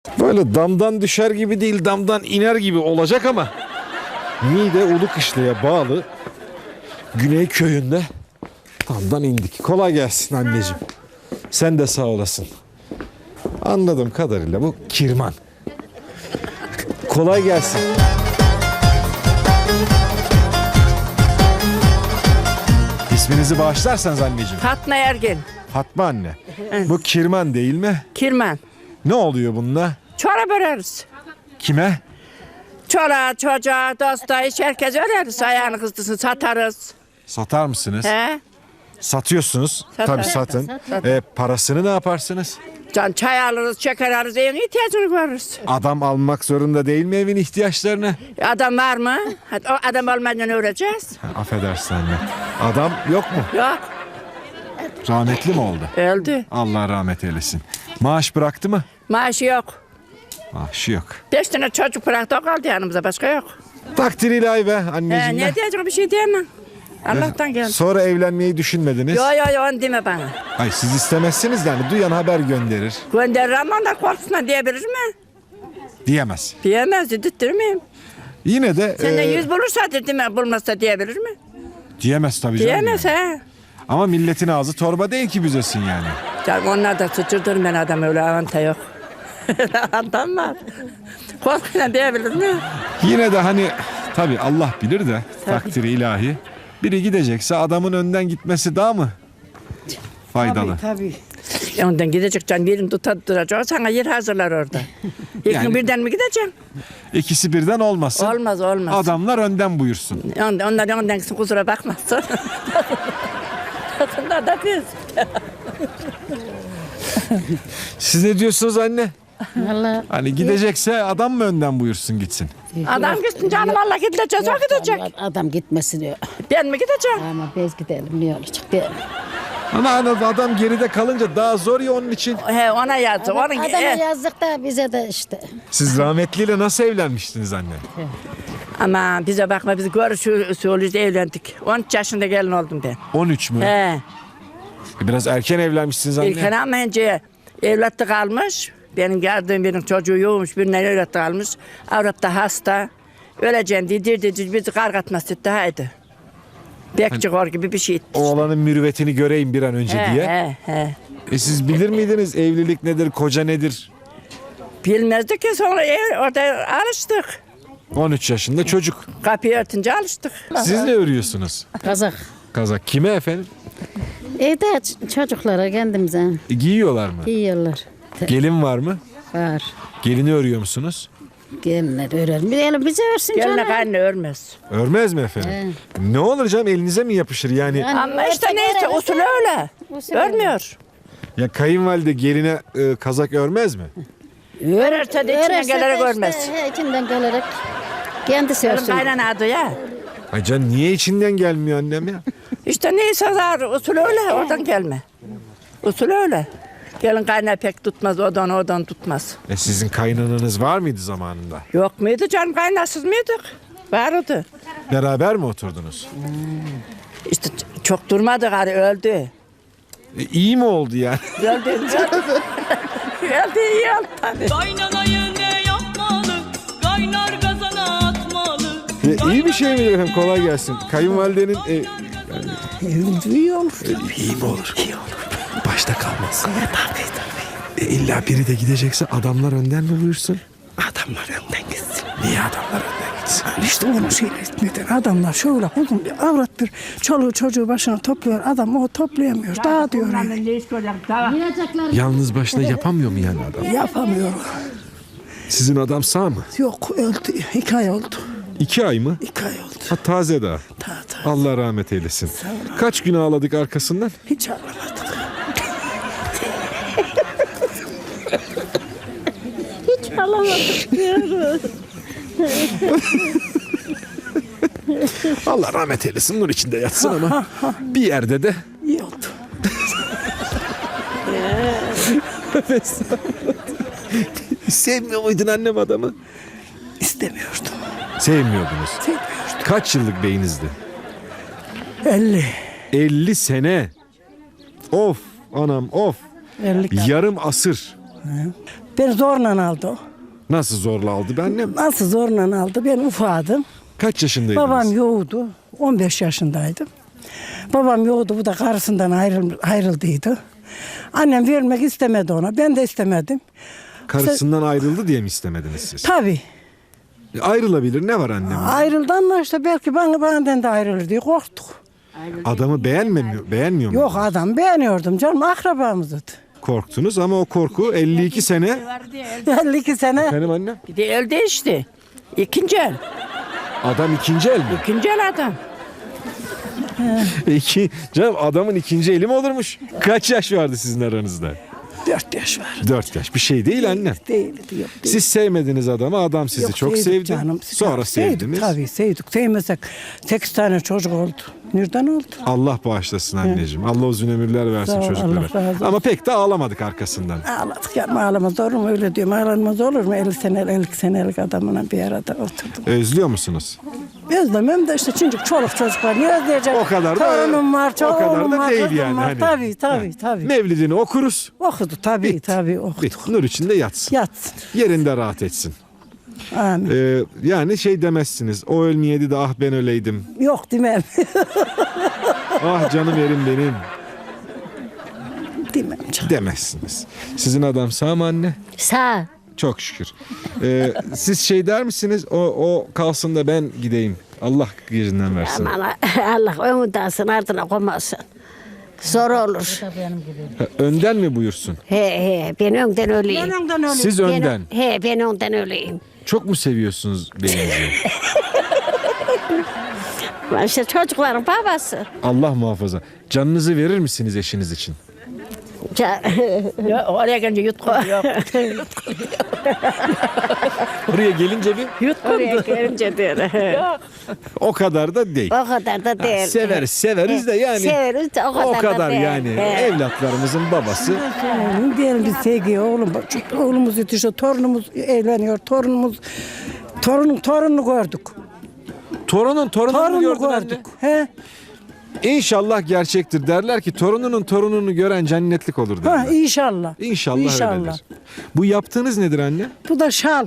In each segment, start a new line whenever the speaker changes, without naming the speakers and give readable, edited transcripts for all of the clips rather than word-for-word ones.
Böyle damdan düşer gibi değil, damdan iner gibi olacak ama Niğde Ulukışla'ya bağlı Güney köyünde damdan indik. Kolay gelsin anneciğim. Sen de sağ olasın. Anladığım kadarıyla bu kirman. Kolay gelsin. İsminizi bağışlarsanız anneciğim.
Fatma Ergin.
Fatma anne. Bu kirman değil mi?
Kirman.
Ne oluyor bununla?
Çorap öreriz.
Kime?
Çora, çocuğa, dosta, hiç herkes öreriz. Ayağını kızdısın satarız.
Satar mısınız?
He?
Satıyorsunuz.
Satar.
Tabii satın. Parasını ne yaparsınız?
Can çay alırız, şeker alırız, evin ihtiyacını görürüz.
Adam almak zorunda değil mi evin ihtiyaçlarını?
Adam var mı? Hadi, o adam olmadan öreceğiz.
Affedersin anne. Adam yok mu?
Yok,
Rahmetli mi oldu?
öldü.
Allah rahmet eylesin. Maaş bıraktı mı?
Maaşı yok.
Maaşı yok.
5 tane çocuk bıraktı, o kaldı yanımıza, başka yok.
Takdir ilahi be anneciğim.
Ne diyeceğim, bir şey diyemem. Allah'tan geldi.
Sonra evlenmeyi düşünmediniz.
Yo, onu deme bana.
Ay siz istemezsiniz de hani duyan haber gönderir.
Gönderir ama onlar korkusundan diyebilir mi?
Diyemez.
Diyemez, dedirtmeyeyim.
Yine de
Senden 100 bulursa dedim, bulmazsa diyebilir mi?
diyemez tabii canım.
Diyemez
yani.
he.
Ama milletin ağzı torba değil ki büzesin yani.
Canım onlar da sıçırdır ben adam, öyle avanta yok. Adam var. Korkuyla diyebilir mi?
Yine de hani tabii Allah bilir de takdiri ilahi. Biri gidecekse adamın önden gitmesi daha mı faydalı?
Tabii.
Ondan gidecek can, birini tutacak, sana yer hazırlar orada. İlk
Yani-
gün birden mi gideceksin?
İkisi birden olmasın.
Olmaz.
Adamlar önden buyursun.
Onlar ondan gitsin, kusura bakmazsın. Onlar da biz.
Siz ne diyorsunuz anne?
Vallahi
Hani gidecekse adam mı önden buyursun gitsin?
Adam gitsin canım, Allah gideceğiz, o gidecek.
adam gitmesin diyor.
Ben mi gideceğim?
Ama biz gidelim ne olacak değil.
Ama adam geride kalınca daha zor ya onun için.
He, ona yazdı.
Adama yazdık da bize de işte.
Siz rahmetliyle nasıl evlenmiştiniz anne?
Ama bize bakma, biz görüşüyoruz, evlendik. 13 yaşında gelin oldum ben.
13 mü?
He.
Biraz erken evlenmişsiniz anne.
İlken ama önce evlatlık almış. Benim geldiğim benim çocuğu yoğmuş, birinden evlatlık almış. Avrat da hasta. Öleceğim diye bizi kargatmaz etti, haydi. Bekçi kor gibi bir şey.
Oğlanın mürüvvetini göreyim bir an önce diye.
He.
Siz bilir miydiniz evlilik nedir, koca nedir?
Bilmezdik ki, sonra orada alıştık.
13 yaşında çocuk.
Kapıyı örtünce alıştık.
Siz ne örüyorsunuz?
Kazak.
Kazak kime efendim?
Evde çocuklara kendimize
Giyiyorlar mı?
giyiyorlar.
Gelin var mı?
Var.
Gelini örüyor musunuz?
Gelinler örer. Bize örsün
Geline
canım.
kaynı örmez.
Örmez mi efendim? Ne olur canım elinize mi yapışır yani?
Yani
Ama işte
örse
neyse,
göre
usulü öyle.
Usulü öyle.
Örmüyor.
Ya kayınvalide geline kazak örmez mi?
Örerse de içine gelerek örmez.
İçinden gelerek kendisi
Benim
örsün.
kaynana adı ya.
Ay can niye içinden gelmiyor annem ya?
İşte neyse zar, usul öyle, oradan gelme. Usul öyle. Gelin kaynağı pek tutmaz, odan tutmaz.
Sizin kaynananız var mıydı zamanında?
Yok muydu canım, kaynasız mıydık? Vardı.
Beraber mi oturdunuz?
İşte çok durmadı gari, öldü.
İyi mi oldu yani?
Öldü. Öldü iyi oldu tabii.
Kaynanayı ne yapmalı? Kaynar kazana atmalı.
İyi bir şey mi efendim? Kolay gelsin. Kayınvalidenin
İyi olur.
iyi mi olur? İyi olur. Başta kalmaz. Tabii. İlla biri de gidecekse adamlar önden mi buyursun?
Adamlar önden gitsin.
Niye adamlar önden gitsin?
İşte onu şey neden adamlar şöyle uzun bir avrattır. Çoluğu çocuğu başına topluyor. Adam o toplayamıyor. Daha diyor.
Yalnız başına yapamıyor mu yani adam?
Yapamıyor.
Sizin adam sağ mı?
Yok öldü. 2 ay oldu.
2 ay mı?
2 ay oldu.
Ha, taze daha.
Ta.
Allah rahmet eylesin. Kaç gün ağladık arkasından?
Hiç ağlamadık.
Allah rahmet eylesin, nur içinde yatsın ama bir yerde de
İyi oldu.
sevmiyor muydun annem adamı?
İstemiyordum.
Sevmiyordunuz.
Sevmiyordum.
Kaç yıllık beyinizdi?
50.
50 sene. Of anam of.
50.
Yarım asır.
Beni zorla aldı o.
Nasıl zorla aldı be annem?
Nasıl zorla aldı? Ben ufadım.
Kaç yaşındaydınız?
Babam yoğdu. 15 yaşındaydım. Babam yoğdu. Bu da karısından ayrıldıydı. Annem vermek istemedi ona. Ben de istemedim.
Karısından ayrıldı diye mi istemediniz siz?
Tabii.
Ayrılabilir, ne var annem?
Ayrıldı ama işte belki benden de ayrılır diye korktuk.
Adamı beğenmiyor mu?
Yok adam beğeniyordum canım, akrabamızdı.
Korktunuz ama o korku 52 sene.
52 sene.
Efendim annem?
Bir de öldü işte. İkinci el.
Adam ikinci el mi?
İkinci el adam.
Canım adamın ikinci eli mi olurmuş? Kaç yaş vardı sizin aranızda?
4 yaş var.
4 yaş. Bir şey değil annem.
Değildi, yok değil.
Siz sevmediniz adamı, adam sizi
Yok,
çok
sevdik
sevdi.
canım.
Sonra
Sevdik,
sevdiniz.
tabii sevdik. Sevmesek 8 tane çocuk oldu. Nereden oldu?
Allah bağışlasın anneciğim. Allah uzun ömürler versin
Sağ ol,
çocuklara.
Allah razı olsun.
Ama pek de ağlamadık arkasından.
Ağladık ya, ağlamaz olur mu? Öyle diyorum, ağlanmaz olur mu? 50 senelik adamla bir arada oturdum.
Özlüyor musunuz?
Özlemem de işte çünkü çoluk çocuk var. Niye özleyeceğim?
O kadar da
Torunum var,
o kadar
oğlum
da
var,
değil
kızım
yani.
var.
Hani.
Tabii.
Mevlidini okuruz.
Okudu tabii,
Bit.
tabii okudu.
Bit. Nur içinde yatsın.
Yatsın.
Yerinde rahat etsin.
Amin.
Yani şey demezsiniz. O ölmeyeydi de ah ben öleydim.
Yok demem.
Ah canım yerim benim
demem canım.
demezsiniz. Sizin adam sağ mı anne?
Sağ.
Çok şükür. Siz şey der misiniz? O kalsın da ben gideyim. Allah gecinden versin.
Aman Allah önünden ardına koymasın. Zor olur.
Ha, önden mi buyursun?
He ben önden öleyim.
Siz önden.
Ben önden öleyim.
Çok mu seviyorsunuz beyinizi?
İşte çocukların babası.
Allah muhafaza. Canınızı verir misiniz eşiniz için?
Ya, oraya gelince yutkunuyor.
Oraya gelince bir
Oraya gelince diyor.
o kadar da değil.
O kadar da değil.
Severiz de yani.
Severiz de
O kadar
da değil.
yani.
He.
Evlatlarımızın babası.
Diyelim biz sevgi oğlumuz yetişiyor, torunumuz evleniyor, torununu gördük.
Torununu
Torununu
gördün anne.
gördük. He.
İnşallah gerçektir. Derler ki torununun torununu gören cennetlik olur
Ha
derler.
inşallah.
İnşallah öyledir. Bu yaptığınız nedir anne?
Bu da şal.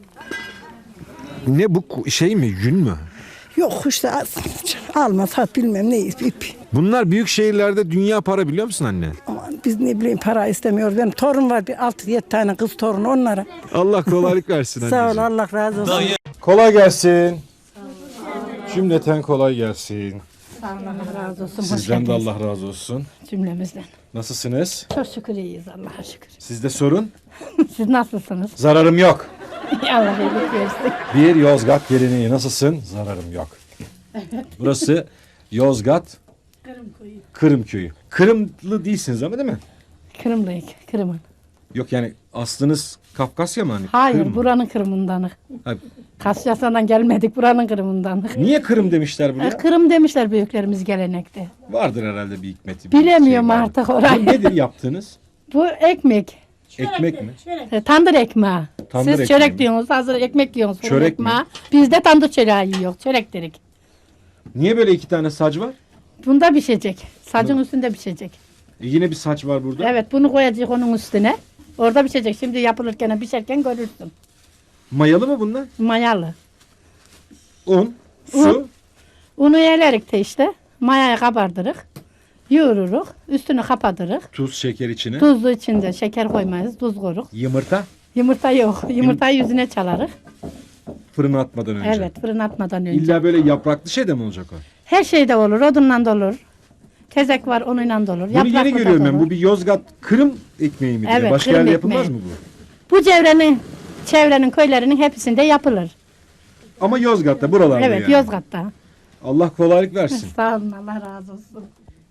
Ne bu şey mi, yün mü?
Yok işte alma sat bilmem ne ip.
Bunlar büyük şehirlerde dünya para biliyor musun anne?
Aman biz ne bileyim para istemiyoruz. Benim torun var bir 6-7 tane kız torun onlara.
Allah kolaylık versin
Sağ ol
anneciğim.
Allah razı olsun.
Kolay gelsin. Cümleten kolay gelsin.
Allah razı olsun.
Sizden de Allah razı olsun.
Cümlemizden.
Nasılsınız?
Çok şükür iyiyiz Allah'a şükür.
Sizde sorun?
Siz nasılsınız?
Zararım yok.
Allah iyilik versin.
Bir Yozgat geleneği nasılsın? Zararım yok. Burası Yozgat Kırım köyü. Kırımlı değilsiniz ama değil mi?
Kırımlıyık. Kırım'ın.
Yok yani aslınız Kafkasya mı hani?
Hayır
Kırım mı?
buranın Kırım'ındanık.
Ha,
Kasyasından gelmedik buranın Kırım'ındanık.
niye Kırım demişler buraya?
Kırım demişler büyüklerimiz gelenekte.
Vardır herhalde bir hikmeti. bir
Bilemiyorum
şey vardır.
artık orayı.
Bu nedir yaptığınız?
Bu ekmek.
Ekmek mi?
Tandır ekmeği.
Tandır
Siz
ekmeği
çörek
mi?
diyorsunuz. Hazır ekmek yiyorsunuz. fırın
Çörek mi?
ekmeği. Biz de tandır çöreği yiyoruz. Çörek dedik.
Niye böyle iki tane saç var?
Bunda pişecek. Sacın üstünde pişecek.
Yine bir saç var burada.
Evet bunu koyacak onun üstüne. Orada pişecek. Şimdi yapılırken pişerken görürsün.
Mayalı mı bunlar?
Mayalı.
Un, su.
Un. Unu elerik de işte. Mayayı kabardırık. Yoğururuk. Üstünü kapatırık.
Tuz, şeker içine.
Tuzlu içinde şeker koymayız. Tuz koyuruk.
Yumurta.
Yumurta yok. Yumurtayı yüzüne çalarık.
Fırına atmadan önce.
Evet fırın atmadan önce.
İlla böyle yapraklı şey de mi olacak o?
Her şey de olur. Odunla da olur. Tezek var onunla da olur.
Bunu yeni
Yapraklı da
görüyorum ben.
olur.
Bu bir Yozgat Kırım ekmeği mi?
Evet,
Başka
Kırım
yerde yapılmaz
ekmeği.
mı bu?
Bu çevrenin köylerinin hepsinde yapılır.
Ama Yozgat'ta buralarda
Evet
yani.
Yozgat'ta.
Allah kolaylık versin.
Sağ olun Allah razı olsun.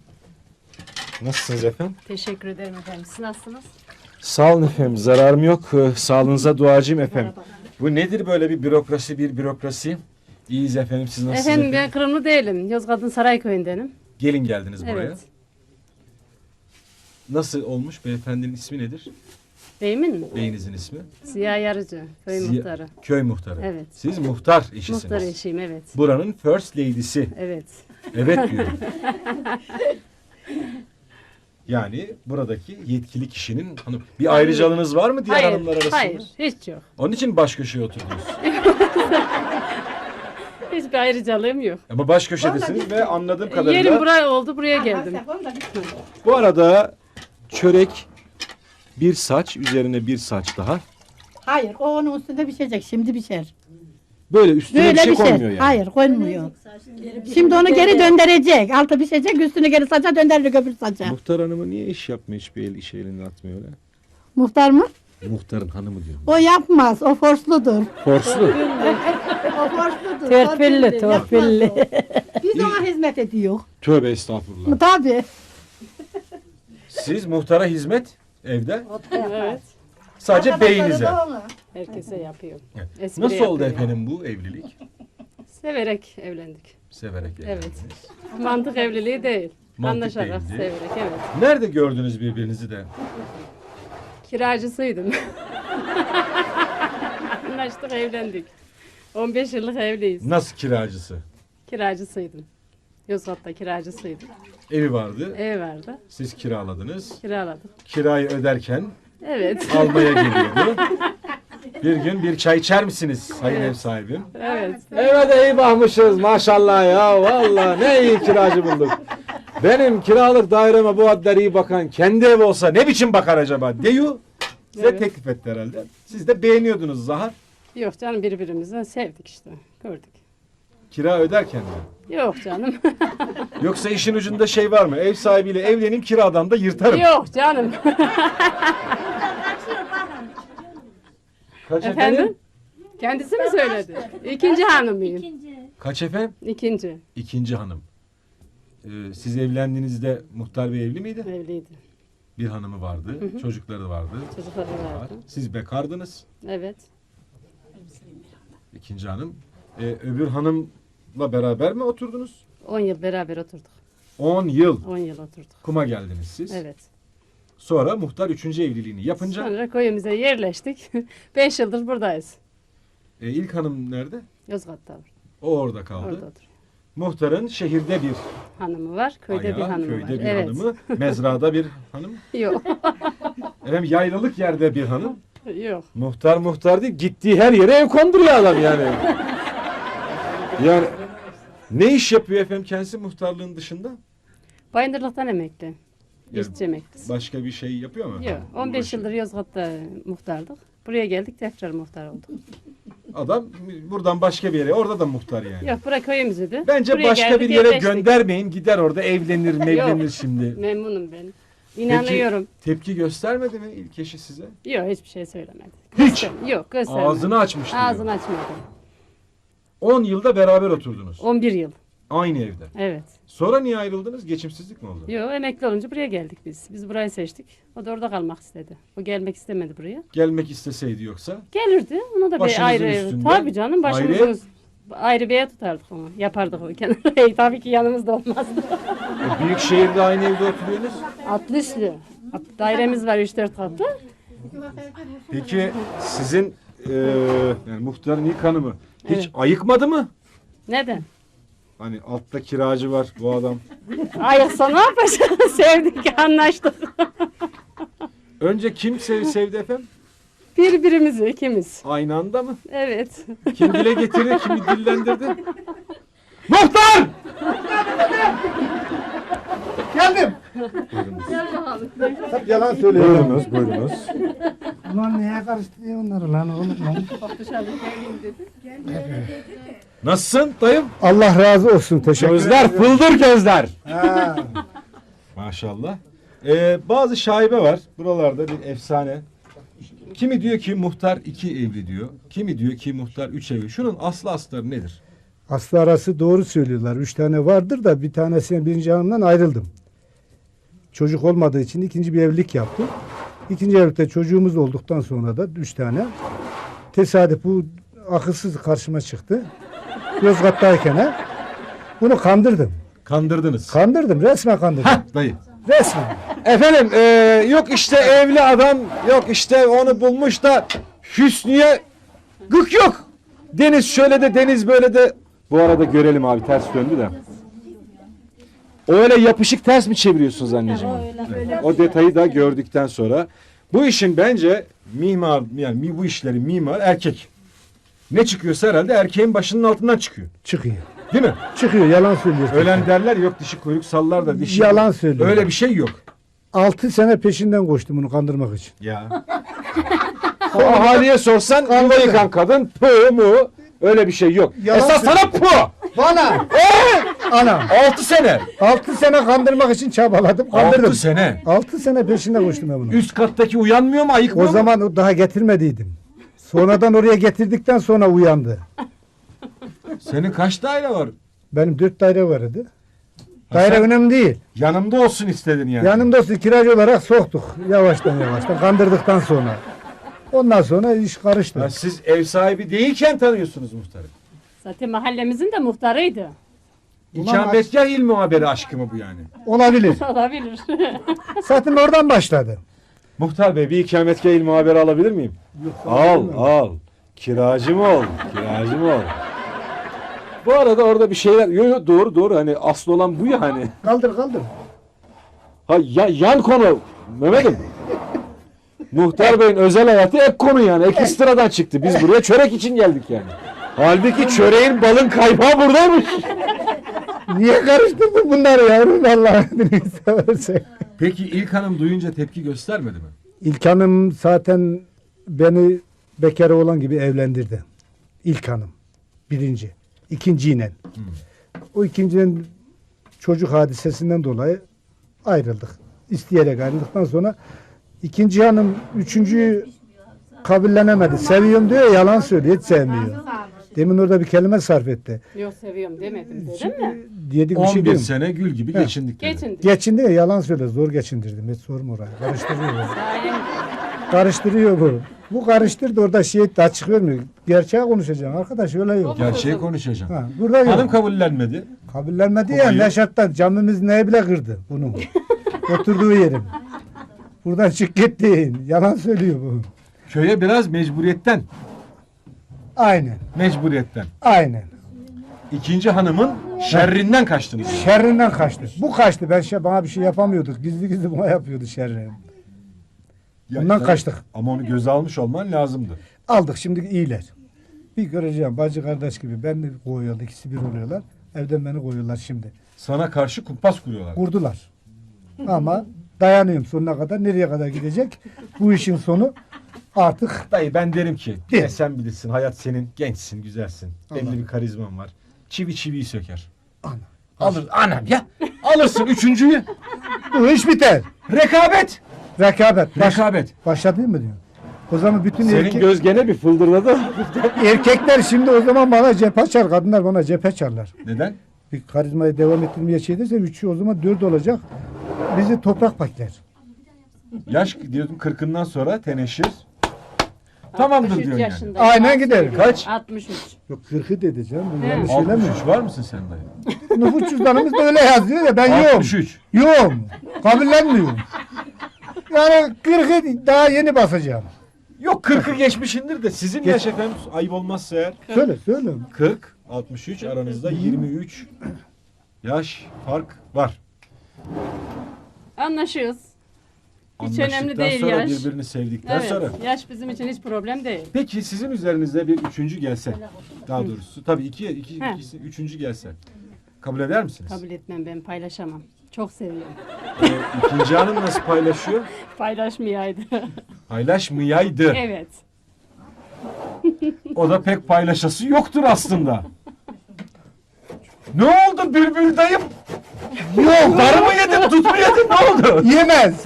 Nasılsınız efendim?
Teşekkür ederim efendim. Siz nasılsınız?
Sağ olun efendim. Zararım yok. Sağlığınıza duacıyım efendim. Bu nedir böyle bir bürokrasi? İyiyiz efendim. Siz nasılsınız
Efendim
efendim?
ben Kırımlı değilim. Yozgat'ın Sarayköy'ündenim.
Gelin geldiniz buraya.
Evet.
Nasıl olmuş? Beyefendinin ismi nedir?
Beyimin mi?
Beyinizin ismi?
Ziya Yarıcı. Köy muhtarı.
Köy muhtarı.
Evet.
Siz muhtar eşisiniz.
Muhtar eşiyim evet.
Buranın first lady'si.
Evet.
Evet diyorum. Yani buradaki yetkili kişinin hanım. Bir ayrıcalığınız var mı diğer hanımlar arasında?
Hayır, hiç yok.
Onun için baş köşeye oturdunuz.
Hiçbir ayrıcalığım yok.
Ama baş köşedesiniz ve anladığım kadarıyla...
Yerim buraya oldu, buraya geldim.
Bu arada çörek, bir saç, üzerine bir saç daha.
Hayır, o onun üstünde pişecek. Şimdi pişer.
Böyle üstüne
Böyle
bir şey
pişer.
konmuyor yani.
Hayır, konmuyor. Şimdi onu geri döndürecek. Altı pişecek, üstünü geri saça döndürecek öbür saça.
Muhtar hanımı niye iş yapmıyor, hiçbir işe elini atmıyor öyle?
Muhtar mı?
Muhtarın hanımı diyorum.
O yapmaz, o forsludur.
Forslu.
O forsludur.
Torpilli, torpilli.
Biz ona hizmet ediyor.
Tövbe estağfurullah.
Tabii.
Siz muhtara hizmet evde,
Evet.
sadece beyinize.
Herkese yapıyor.
Evet.
Espri
Nasıl oldu
yapıyor.
efendim bu evlilik?
Severek evlendik.
Severek evlendiniz.
Evet. Mantık evliliği değil.
Mantık
Anlaşarak,
değildi.
severek, evet.
Nerede gördünüz birbirinizi de?
Kiracısıydım. Anlaştık, evlendik. 15 yıllık evliyiz.
Nasıl kiracısı?
Kiracısıydım. Yozgat'ta kiracısıydım.
Evi vardı,
Ev vardı.
siz kiraladınız.
Kiraladık.
Kirayı öderken
Evet.
almaya geliyordu. Bir gün bir çay içer misiniz sayın ev sahibim?
Evet.
Eve de iyi bakmışız maşallah ya, vallahi ne iyi kiracı bulduk. Benim kiralık daireme bu kadar iyi bakan kendi ev olsa ne biçim bakar acaba diyor. Size
Evet.
teklif etti herhalde. Siz de beğeniyordunuz Zahar.
Yok canım, birbirimizi sevdik işte. Gördük.
Kira öderken mi?
Yok canım.
Yoksa işin ucunda şey var mı? Ev sahibiyle evleneyim, kiradan da yırtarım.
Yok canım.
Kaç
Efendim? Kendisi mi söyledi? İkinci hanımıyım.
Kaç efendim?
İkinci.
İkinci hanım. Siz evlendiğinizde muhtar bey evli miydi?
Evliydi.
Bir hanımı vardı, çocukları vardı.
Çocukları vardı.
Siz bekardınız.
Evet.
İkinci hanım. Öbür hanımla beraber mi oturdunuz?
10 yıl beraber oturduk.
10 yıl
10 yıl oturduk.
kuma geldiniz siz.
Evet.
Sonra muhtar 3. evliliğini yapınca
Sonra köyümüze yerleştik. 5 yıldır buradayız.
ilk hanım nerede?
Yozgat'ta
O orada kaldı.
orada oturuyor.
Muhtarın şehirde bir
Hanımı var, köyde bir
ayağı,
hanımı
köyde
var.
bir
Evet.
hanımı, mezrada bir hanım.
Yok.
Efendim yaylalık yerde bir hanım.
Yok.
Muhtar değil, gittiği her yere ev konduruyor adam yani. Yani ne iş yapıyor efendim kendisi muhtarlığın dışında?
Bayındırlıktan emekli.
Yani
İşçi emeklisi.
Başka bir şey yapıyor mu?
Yok. 15 yıldır Yozgat'ta muhtardık. Buraya geldik, tekrar muhtar olduk.
Adam buradan başka bir yere, orada da muhtar yani.
Yok, bura köyümüzdü.
Bence
Buraya
başka
geldik,
bir yere
yerleştik.
göndermeyin, gider orada evlenir mevlenir
Yok.
şimdi.
Memnunum ben. İnanıyorum.
Peki tepki göstermedi mi ilk eşi size?
Yok, hiçbir şey söylemedi.
Hiç.
Yok, göstermedi.
Ağzını açmış diyor.
Ağzını açmadı.
10 yılda beraber oturdunuz.
11 yıl.
Aynı evde.
Evet.
Sonra niye ayrıldınız? Geçimsizlik mi oldu?
Yok, emekli olunca buraya geldik biz. Biz burayı seçtik. O da orada kalmak istedi. O gelmek istemedi buraya.
Gelmek isteseydi yoksa?
Gelirdi. Ona da bir
Başınızın
ayrı
üstünde.
Tabii canım,
Ayrı
başımızın ayrı bir ev tutardık onu. Yapardık o kenara. Tabii ki yanımızda olmazdı.
Büyük şehirde aynı evde oturuyorsunuz.
Atlıslü. Dairemiz var 3-4 katlı.
Peki sizin yani muhtarın ilk hanımı hiç
Evet.
ayıkmadı mı?
Neden?
Hani altta kiracı var bu adam.
Ayıksa ne yapacağız? Sevdik, anlaştık.
Önce kim sevdi efendim?
Birbirimizi ikimiz.
Aynı anda mı?
Evet.
Kim dile getirdi, kimi dillendirdi? Muhtar!
Geldim. Hep yalan söylüyor.
Buyurunuz.
Ulan neye karıştı onları lan oğlum lan.
Nasılsın dayım?
Allah razı olsun. Teşekkür
Gözler fıldır gözler.
Ha.
Maşallah. Bazı şaibe var. Buralarda bir efsane. Kimi diyor ki muhtar 2 evli diyor. Kimi diyor ki muhtar 3 evli. Şunun aslı astarı nedir?
Aslı arası doğru söylüyorlar. 3 tane vardır da bir tanesine birinci hanımdan ayrıldım. Çocuk olmadığı için ikinci bir evlilik yaptım. İkinci evlilikte çocuğumuz olduktan sonra da 3 tane. Tesadüf bu akılsız karşıma çıktı. Yozgat'tayken bunu kandırdım.
Kandırdınız.
Kandırdım. Resmen kandırdım.
Dayı.
Resmen.
Efendim yok işte evli adam, yok işte onu bulmuş da Hüsnü'ye gık yok. Deniz şöyle de deniz böyle de. Bu arada görelim abi, ters döndü de. O öyle yapışık ters mi çeviriyorsunuz anneciğim? O detayı da gördükten sonra. Bu işin bence mimar, yani bu işlerin mimar erkek. Ne çıkıyorsa herhalde erkeğin başının altından çıkıyor.
Çıkıyor.
Değil mi?
Çıkıyor, yalan söylüyor.
Ölen derler yok dişi kuyruk sallar da dişi.
Yalan söylüyor.
Öyle bir şey yok.
6 sene peşinden koştum bunu kandırmak için.
Ya. O ahaliye sorsan yuva yıkan kadın pu mu? Öyle bir şey yok.
Yalan
Esas sana pu.
Bana! Ana!
6 sene.
6 sene kandırmak için çabaladım. Kandırdım.
6 sene.
6 sene peşinde koştum ben bunu.
Üst kattaki uyanmıyor mu, ayıkmıyor
O
mu?
zaman o daha getirmediydim. Sonradan oraya getirdikten sonra uyandı.
Senin kaç daire var?
Benim 4 daire vardı. Daire
sen-
önemli değil.
Yanımda olsun istedin yani.
Yanımda olsun, kiracı olarak soktuk. Yavaştan yavaştan kandırdıktan sonra. Ondan sonra iş karıştı.
Ha, siz ev sahibi değilken tanıyorsunuz muhtarı.
Zaten mahallemizin de muhtarıydı.
İkametgah il muhaberi aşkı mı bu yani?
Olabilir.
Olabilir.
Zaten oradan başladı.
Muhtar bey bir ikametgah il muhaberi alabilir miyim? Al. Kiracı mı ol? Kiracı mı ol? Bu arada orada bir şeyler... Yo, doğru hani asıl olan bu ya hani.
Kaldır.
Ha yan konu Mehmet'im. Muhtar Bey'in özel hayatı ek konu yani. Ek sıradan çıktı. Biz buraya çörek için geldik yani. Halbuki çöreğin balın kaymağı buradaymış.
Niye karıştırdın bunları yavrum Allah'ını seversen.
Peki ilk hanım duyunca tepki göstermedi mi?
İlk hanım zaten beni bekar oğlan gibi evlendirdi. İlk hanım. Birinci. İkinciyle. O ikincinin çocuk hadisesinden dolayı ayrıldık. İsteyerek ayrıldıktan sonra ikinci hanım üçüncüyü kabullenemedi. Seviyorum diyor, yalan söylüyor, hiç sevmiyor. Demin orada bir kelime sarf etti.
Yok seviyorum demedim dedim mi?
Dedik bir şey
11
değil mi?
sene gül gibi geçindik dedi.
Geçin.
Geçindi ya, yalan söyle, zor geçindirdim. Hiç sorma orayı. Karıştırıyor.
Sayem
Karıştırıyor bu. Bu karıştırdı, orada şey açık vermiyor. Gerçeği konuşacağım arkadaş, öyle yok.
Gerçeği konuşacağım.
Ha, burada yok.
Hanım kabullenmedi.
Kabullenmedi ya,
Babayı-
Neşat'tan camimiz neye bile kırdı bunu. Oturduğu yerim. Buradan çık gittin. Yalan söylüyor bu.
Köye biraz mecburiyetten.
Aynen.
Mecburiyetten.
Aynen.
İkinci hanımın şerrinden kaçtınız.
Şerrinden kaçtı. Bu kaçtı. Bana bir şey yapamıyorduk. Gizli gizli bana yapıyordu şerrini. Bundan
tabii.
kaçtık.
Ama onu göze almış olman lazımdı.
Aldık, şimdi iyiler. Bir göreceğim, bacı kardeş gibi. Ben de koyuyorlar. İkisi bir oluyorlar. Evden beni koyuyorlar şimdi.
Sana karşı kumpas kuruyorlar.
Kurdular. Ama dayanıyorum sonuna kadar. Nereye kadar gidecek? Bu işin sonu artık
Dayı ben derim ki
Değil.
sen bilirsin, hayat senin, gençsin, güzelsin. Belli bir karizman var. Çivi çiviyi söker.
Ana.
Alır anam ya. Alırsın üçüncüyü.
bu iş biter.
Rekabet.
Rekabet.
Rekabet.
Başladın mı diyor. O zaman bütün
Senin göz gene bir fıldırladı.
erkekler şimdi o zaman bana cephe açar. Kadınlar bana cephe açarlar.
Neden?
Bir karizmayı devam ettirmeye şey ederse üçü o zaman 4 olacak. Bizi toprak pakler.
Yaş diyordum 40'ından sonra teneşir. Tamamdır
63
diyorsun yani.
yaşındayım.
Aynen giderim.
Kaç?
63.
Yok 40'ı dedi canım. Bu
He.
yanlış söylemiyor.
63 var mısın sen dayı?
Nüfus cüzdanımızda öyle yazıyor ya, ben yoğum.
63.
Yoğum. Kabullenmiyorum. Yani 40'ı daha yeni basacağım.
Yok 40'ı geçmişindir de sizin yaş efendim ayıp olmazsa eğer.
Söyle.
40, 63 aranızda 23 yaş fark var.
Anlaşıyoruz. Hiç önemli
Anlaştıktan
değil
sonra
yaş.
birbirini sevdikten
Evet.
sonra.
Yaş bizim için hiç problem değil.
Peki sizin üzerinizde bir üçüncü gelse, daha doğrusu tabii
He.
ikisi üçüncü gelse kabul eder misiniz?
Kabul etmem, ben paylaşamam. Çok seviyorum.
İkinci hanım nasıl paylaşıyor?
Paylaşmayaydı.
Paylaşmayaydı.
Evet.
O da pek paylaşası yoktur aslında. Ne oldu bülbül dayım? Yok. Darı mı yedin, tut mu yedin, ne oldu?
Yemez.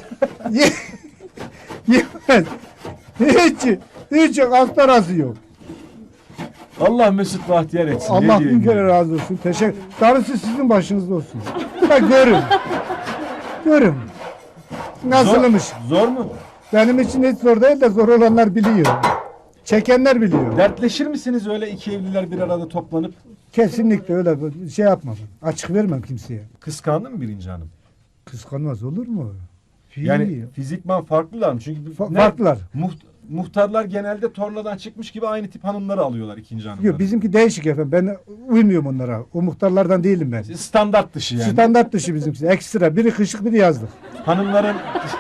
Yemez. Hiç yok. Astarası yok.
Allah mesut bahtiyar etsin. ne
Allah
diyeyim
bin kere
ya?
razı olsun. Teşekkür. Darısı sizin başınızda olsun. Ha, görün. Görün. Nasılmış?
Zor mu?
Benim için hiç zor değil de zor olanlar biliyor. Çekenler biliyor.
Dertleşir misiniz öyle iki evliler bir arada toplanıp?
Kesinlikle öyle şey yapmam. Açık vermem kimseye.
Kıskandı mı birinci hanım?
Kıskanmaz olur mu?
Yani fizikman farklılar mı? Çünkü
Farklılar.
muhtarlar genelde tornadan çıkmış gibi aynı tip hanımları alıyorlar ikinci hanımları.
Yok bizimki değişik efendim. Ben uymuyorum onlara. O muhtarlardan değilim ben.
Standart dışı yani.
Standart dışı bizimkisi. Ekstra. Biri kışlık biri yazlık.
Hanımların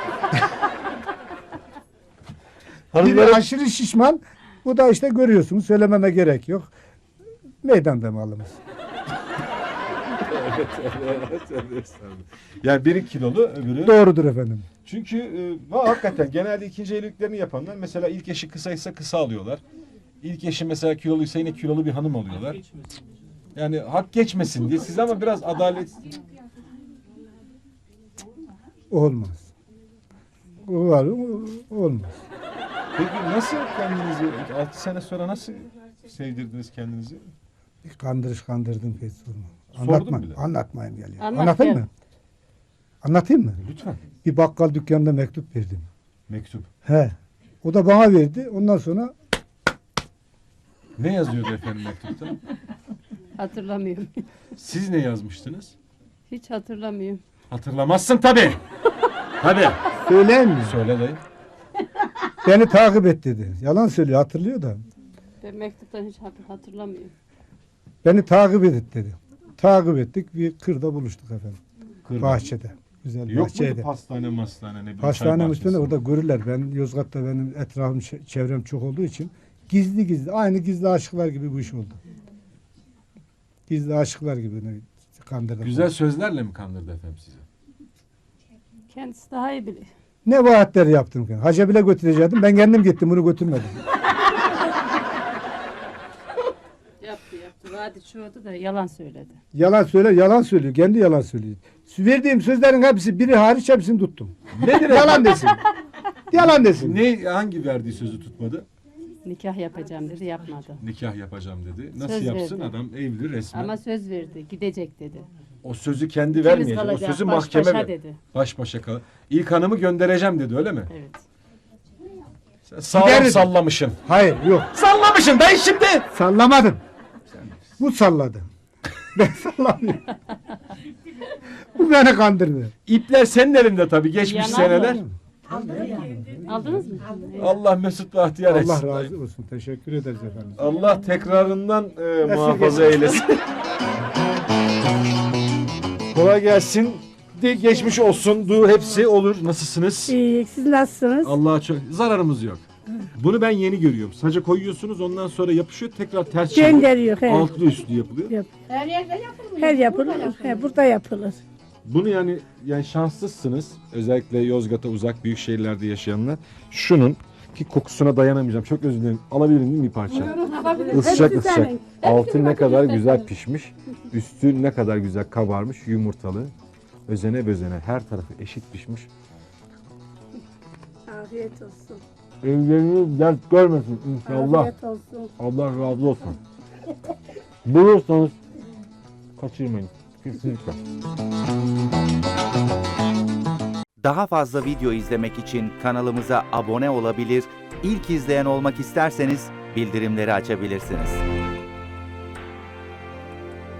Biri
hanımların
aşırı şişman. Bu da işte görüyorsunuz. Söylememe gerek yok. Meydanda malımız.
yani biri kilolu öbürü.
Doğrudur efendim.
Çünkü hakikaten genelde ikinci evliliklerini yapanlar mesela ilk eşi kısaysa kısa alıyorlar. İlk eşi mesela kiloluysa yine kilolu bir hanım alıyorlar. Yani hak geçmesin diye siz ama biraz adalet
Olmaz. O var, olmaz.
Peki nasıl kendinizi 6 sene sonra nasıl sevdirdiniz kendinizi?
Kandırdım pek sorma.
Sordum
Anlatma.
bile.
Anlatmayayım geliyor.
Anlat
Anlatayım
gel.
mı? Anlatayım mı?
Lütfen.
Bir bakkal dükkanında mektup verdim.
Mektup.
He. O da bana verdi. Ondan sonra
Ne yazıyordu efendim mektupta?
Hatırlamıyorum.
Siz ne yazmıştınız?
Hiç hatırlamıyorum.
Hatırlamazsın tabii. Hadi.
söyleyeyim mi?
Söyle dayı.
Beni takip et dedi. Yalan söylüyor hatırlıyor da.
Ben mektuptan hiç hatırlamıyorum.
Beni takip et dedi. Takip ettik. Bir kırda buluştuk efendim.
Kırda.
Bahçede. Güzel
Yok
bahçede.
muydu pastane mastane ne bileyim
Hastane
çay
üstünde
bahçesi?
orada görürler. Ben Yozgat'ta benim etrafım çevrem çok olduğu için gizli aynı gizli aşıklar gibi bu iş oldu. Gizli aşıklar gibi kandırdım.
Güzel sözlerle mi kandırdı efendim sizi?
Kendisi daha iyi biliyor.
Ne vaatler yaptım ki? Hacca bile götürecektim. Ben kendim gittim bunu götürmedim.
Yaptı. Vadi çoğdu da yalan söyledi.
Yalan söylüyor. Kendi yalan söylüyor. Verdiğim sözlerin hepsi biri hariç hepsini tuttum. Nedir yalan desin. Yalan desin.
Ne hangi verdiği sözü tutmadı?
Nikah yapacağım dedi, yapmadı.
Nikah yapacağım dedi. Nasıl
Söz
yapsın
verdi.
adam evli resmen.
Ama söz verdi, gidecek dedi.
O sözü kendi
İkimiz
vermeyecek. O
kalacağız,
sözü
baş
mahkeme
başa
ver.
dedi.
Baş başa kal. İlk hanımı göndereceğim dedi öyle mi?
Evet.
Sen sağlam
Gider dedi.
sallamışsın.
Hayır yok.
Sallamışsın dayı şimdi.
Sallamadım. Bu salladı. Ben sallamıyorum. Bu beni kandırdı.
İpler senin elinde tabii geçmiş
Yalan
seneler.
mı? Aldınız mı?
Allah mesut bahtiyar etsin.
Allah razı olsun. Teşekkür ederiz efendim.
Allah tekrarından muhafaza eylesin. Kolay gelsin. De geçmiş olsun. Du hepsi olur. Nasılsınız?
İyi, siz nasılsınız?
Allah'a çok zararımız yok. Bunu ben yeni görüyorum. Saca koyuyorsunuz ondan sonra yapışıyor tekrar ters çeviriyor.
Gönderiyor. He.
Altlı üstlü yapılıyor.
Her yapılır. He, burada yapılır.
Bunu yani şanslısınız. Özellikle Yozgat'a uzak büyük şehirlerde yaşayanlar. Şunun ki kokusuna dayanamayacağım. Çok özür dilerim. Alabilir miyim bir parça? Isıcak. Altı ne kadar güzel pişmiş. Üstü ne kadar güzel kabarmış. Yumurtalı. Özene bözene her tarafı eşit pişmiş.
Afiyet olsun.
Evleriniz dert görmesin inşallah.
Afiyet olsun.
Allah razı olsun. Bulursanız kaçırmayın. Kesinlikle.
Daha fazla video izlemek için kanalımıza abone olabilir, ilk izleyen olmak isterseniz bildirimleri açabilirsiniz.